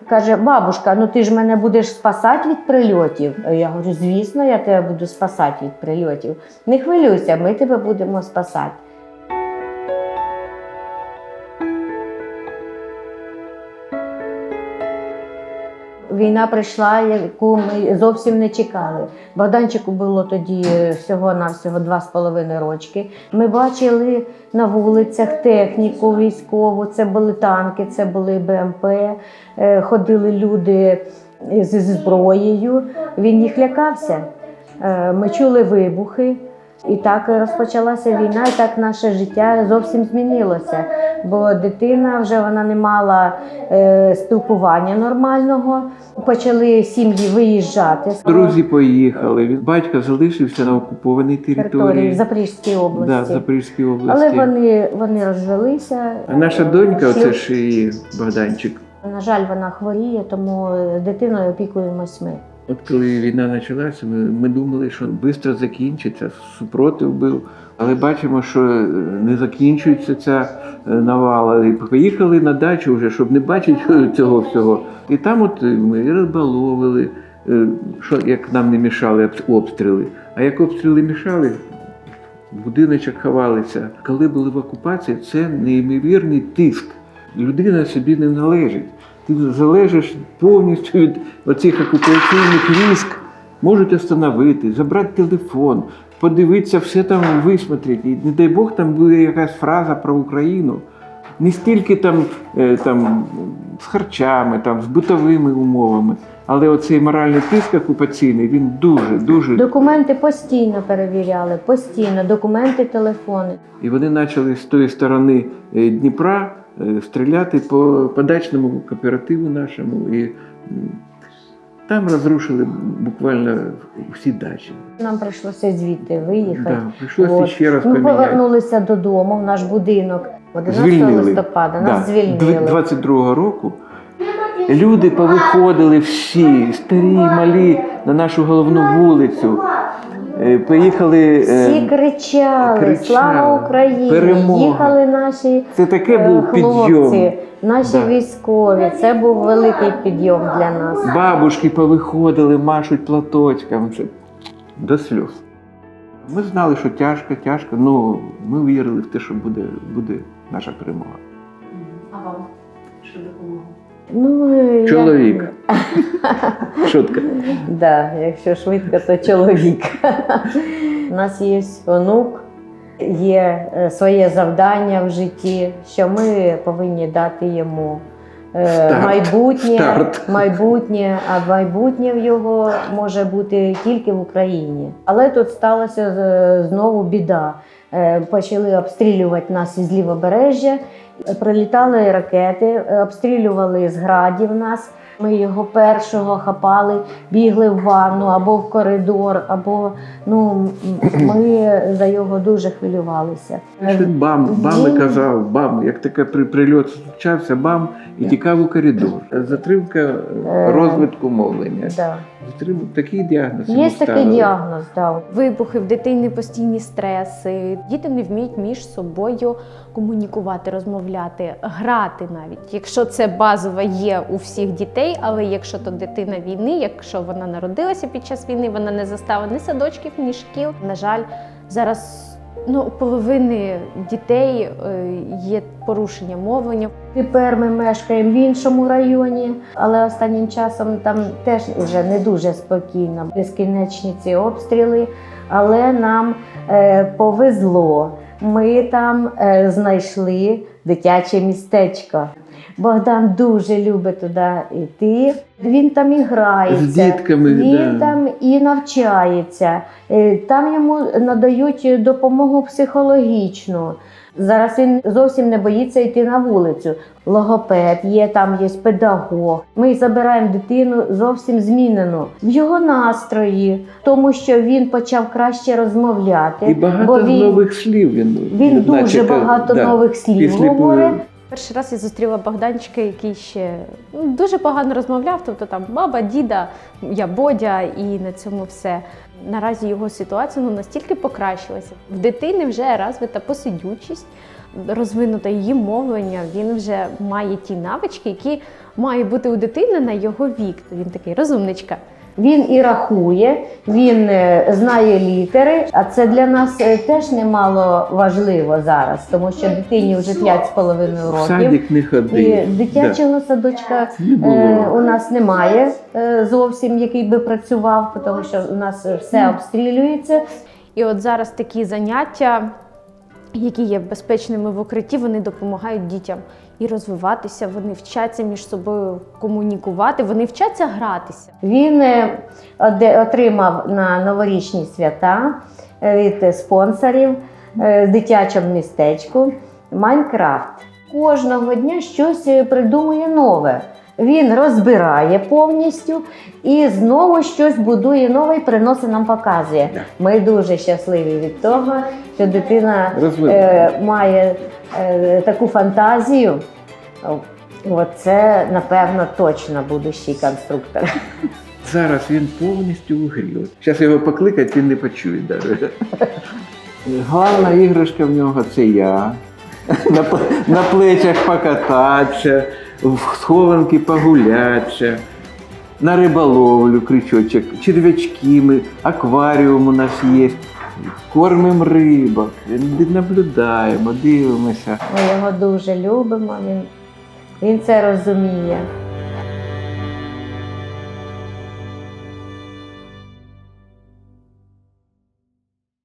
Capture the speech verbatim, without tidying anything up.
Каже, бабушка, ну ти ж мене будеш спасати від прильотів? Я говорю, звісно, я тебе буду спасати від прильотів. Не хвилюйся, ми тебе будемо спасати. Війна прийшла, яку ми зовсім не чекали. Богданчику було тоді всього-навсього два з половиною рочки. Ми бачили на вулицях техніку військову, це були танки, це були Б М П, ходили люди зі зброєю. Він їх лякався. Ми чули вибухи. І так розпочалася війна, і так наше життя зовсім змінилося. Бо дитина вже вона не мала е, спілкування нормального, почали сім'ї виїжджати. Друзі поїхали, батько залишився на окупованій території. В Запорізькій області. Да, в Запорізькій області. Але вони, вони розвелися. А наша донька, оце ж і Богданчик. На жаль, вона хворіє, тому дитиною опікуємось ми. От коли війна почалася, ми, ми думали, що швидко закінчиться, супротив був. Але бачимо, що не закінчується ця навала. І поїхали на дачу вже, щоб не бачити цього всього. І там от ми риболовили, що, як нам не мішали обстріли. А як обстріли мішали, в будиночок ховалися. Коли були в окупації, це неймовірний тиск. Людина собі не належить. Ти залежиш повністю від оцих окупаційних військ. Можуть остановити, забрати телефон, подивитися, все там висмотрити. І не дай Бог, там буде якась фраза про Україну. Не стільки там, там з харчами, там, з битовими умовами. Але оцей моральний тиск окупаційний, він дуже, дуже... Документи постійно перевіряли, постійно, документи, телефони. І вони почали з тої сторони Дніпра стріляти по подачному кооперативу нашому. І там розрушили буквально всі дачі. Нам прийшлося звідти виїхати. Да, прийшлося ще раз Ми поміняти. повернулися додому, в наш будинок. одинадцятого листопада нас звільнили. двадцять другого року люди повиходили всі, старі, малі, на нашу головну вулицю. Поїхали, всі кричали, кричали «Слава Україні!», перемога. Їхали наші Це таке був хлопці, підйом. наші Да. військові. Це був великий підйом для нас. Бабушки повиходили, машуть платочками. Це до сльоз. Ми знали, що тяжко, тяжко, але ми вірили в те, що буде, буде наша перемога. А вам що допомогло? Ну, Чоловік. Я... Шутка. Да, якщо швидко, то чоловік. У нас є онук, є своє завдання в житті, що ми повинні дати йому Старт. майбутнє, Старт. майбутнє, а майбутнє в його може бути тільки в Україні. Але тут сталася знову біда. Почали обстрілювати нас із лівобережжя, прилітали ракети, обстрілювали з градів нас. Ми його першого хапали, бігли в ванну або в коридор, або ну, ми за його дуже хвилювалися. Бам, бам і казав, бам, як таке прильот случався, бам, і тікав у коридор. Затримка розвитку мовлення. Да. Затримка, такий діагноз. Є такий діагноз, да. Вибухи, в дитини постійні стреси. Діти не вміють між собою комунікувати, розмовляти, грати навіть. Якщо це базово є у всіх дітей, але якщо то дитина війни, якщо вона народилася під час війни, вона не застала ні садочків, ні шкіл. На жаль, зараз ну, у половини дітей є порушення мовлення. Тепер ми мешкаємо в іншому районі, але останнім часом там теж вже не дуже спокійно. Безкінечні ці обстріли, але нам е, повезло. Ми там е, знайшли дитяче містечко. Богдан дуже любить туди йти. Він там і грається, з дітками, він да. там і навчається. Там йому надають допомогу психологічну. Зараз він зовсім не боїться йти на вулицю. Логопед є, там є педагог. Ми забираємо дитину зовсім змінену в його настрої, тому що він почав краще розмовляти. І багато бо він, нових слів він. Він дуже наче, багато да, нових слів після... говорить. Перший раз я зустріла Богданчика, який ще ну, дуже погано розмовляв, тобто там баба, діда, я Бодя і на цьому все. Наразі його ситуація ну, настільки покращилася. В дитини вже розвита посидючість, розвинуте її мовлення, він вже має ті навички, які має бути у дитини на його вік. Він такий розумничка. Він і рахує, він е, знає літери, а це для нас е, теж немало важливо зараз, тому що дитині вже п'ять з половиною В років. садик не ходив. І дитячого садочка Не було. е, у нас немає е, зовсім, який би працював, тому що у нас все обстрілюється. І от зараз такі заняття, які є безпечними в укритті, вони допомагають дітям і розвиватися, вони вчаться між собою комунікувати, вони вчаться гратися. Він е, оде- отримав на новорічні свята е, від спонсорів е, в дитячому містечку Майнкрафт. Кожного дня щось е, придумує нове. Він розбирає повністю і знову щось будує нове і приносить нам, показує. Так. Ми дуже щасливі від того, що дитина Розвиває. е, має е, таку фантазію. Оце, напевно, точно будущий конструктор. Зараз він повністю у грі. Зараз його покликать, він не почує навіть. Головна іграшка в нього це я. На, п- на плечах покататися, в схованки погулятися, на риболовлю крючочок, черв'ячки, ми, акваріум у нас є. Кормимо рибок, наблюдаємо, дивимося. Ми його дуже любимо, він, він це розуміє.